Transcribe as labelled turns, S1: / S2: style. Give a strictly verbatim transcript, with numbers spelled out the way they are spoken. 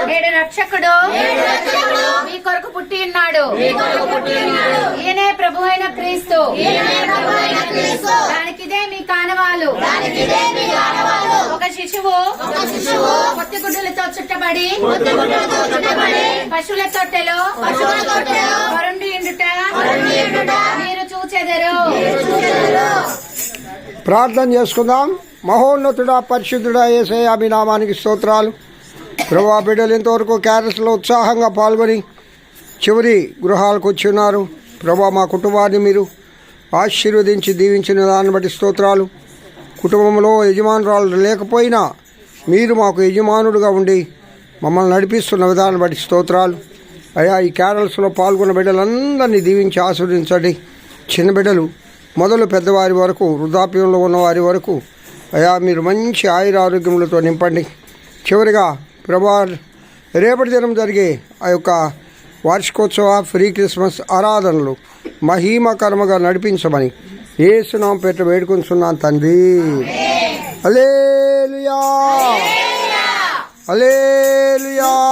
S1: నేడు రక్షకుడు మీ కొరకు పుట్టి ఉన్నాడు. ఈయనే ప్రభు అయిన క్రీస్తు. దానికిదే మీ కానవాలు. ఒక శిశువు కొత్త గుడ్డలతో చుట్టబడి పశువుల తొట్టెలో వరుండి ఇండుట మీరు చూచెదరు.
S2: ప్రార్థన చేసుకుందాం. మహోన్నతుడా, పరిశుద్ధుడా యేసయ్య, మీ నామానికి స్తోత్రాలు. ప్రభా, బిడ్డలు ఇంతవరకు క్యారెట్స్లో ఉత్సాహంగా పాల్గొని చివరి గృహాలకు వచ్చి ఉన్నారు. ప్రభా, మా కుటుంబాన్ని మీరు ఆశీర్వదించి దీవించిన దాన్ని బట్టి స్తోత్రాలు. కుటుంబంలో యజమానురాలు లేకపోయినా మీరు మాకు యజమానుడుగా ఉండి మమ్మల్ని నడిపిస్తున్న విధానం బట్టి స్తోత్రాలు. అయ్యా, ఈ క్యారల్స్లో పాల్గొన్న బిడ్డలందరినీ దీవించి ఆశీర్వదించండి. చిన్న బిడ్డలు మొదలు పెద్దవారి వరకు, వృద్ధాప్యంలో ఉన్నవారి వరకు అయ్యా మీరు మంచి ఆయుర ఆరోగ్యములతో నింపండి. చివరిగా ప్రభా, రేపటి దినం జరిగే ఆ యొక్క వార్షికోత్సవ ఫ్రీ క్రిస్మస్ ఆరాధనలు మహిమకరముగా నడిపించమని యేసునామం పేరిట వేడుకొంచున్నాను తండ్రి. హల్లెలూయా, హల్లెలూయా.